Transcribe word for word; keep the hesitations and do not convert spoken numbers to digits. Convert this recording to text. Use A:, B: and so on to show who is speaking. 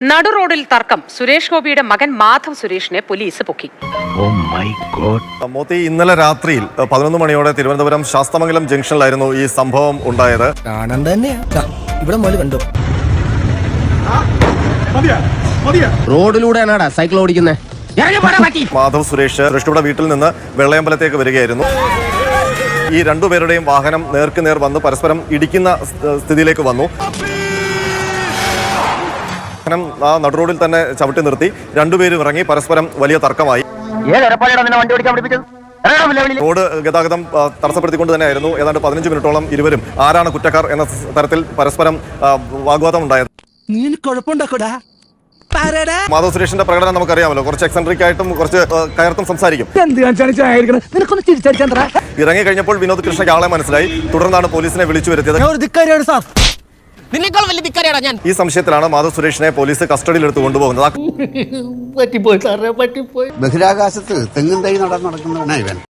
A: നടു റോഡിൽ തർക്കം. സുരേഷ് ഗോപിയുടെ മകൻ മാധവ് സുരേഷിനെ പോലീസ് പൊക്കി.
B: മോത്തി, ഇന്നലെ രാത്രിയിൽ പതിനൊന്ന് മണിയോടെ തിരുവനന്തപുരം ശാസ്തമംഗലം ജംഗ്ഷനിലായിരുന്നു ഈ സംഭവം ഉണ്ടായത്.
C: റോഡിലൂടെയാണാടാ സൈക്കിൾ ഓടിക്കുന്നത്.
B: മാധവ് സുരേഷ് കൃഷ്ണയുടെ വീട്ടിൽ നിന്ന് വെള്ളയമ്പലത്തേക്ക് വരികയായിരുന്നു. ഈ രണ്ടുപേരുടെയും വാഹനം നേർക്ക് നേർ വന്ന് പരസ്പരം ഇടിക്കുന്ന സ്ഥിതിയിലേക്ക് വന്നു. വാഹനം ആ നടുറോഡിൽ തന്നെ ചവിട്ടി നിർത്തി രണ്ടുപേരും ഇറങ്ങി പരസ്പരം വലിയ തർക്കമായി. റോഡ് ഗതാഗതം തടസ്സപ്പെടുത്തിക്കൊണ്ട് തന്നെയായിരുന്നു ഏതാണ്ട് പതിനഞ്ച് മിനിറ്റോളം ഇരുവരും ആരാണ് കുറ്റക്കാർ എന്ന തരത്തിൽ പരസ്പരം വാഗ്വാദം ഉണ്ടായത്. മാധവ് സുരേഷിന്റെ പ്രകടനം നമുക്കറിയാമല്ലോ. കുറച്ച് എക്സെൻട്രിക് ആയിട്ടും കുറച്ച് കയർത്തും സംസാരിക്കും. ഇറങ്ങി കഴിഞ്ഞപ്പോൾ വിനോദ് കൃഷ്ണയ്ക്ക് ആളെ മനസ്സിലായി. തുടർന്നാണ് പോലീസിനെ വിളിച്ചു വരുത്തിയത്. ഈ സംശയത്തിലാണ് മാധവ് സുരേഷിനെ പോലീസ് കസ്റ്റഡിയിൽ എടുത്ത് കൊണ്ടുപോകുന്നത്.
D: ബഹിരാകാശത്ത് തെങ്ങും തൈ നടന്നടക്കുന്നവനാ ഇവൻ.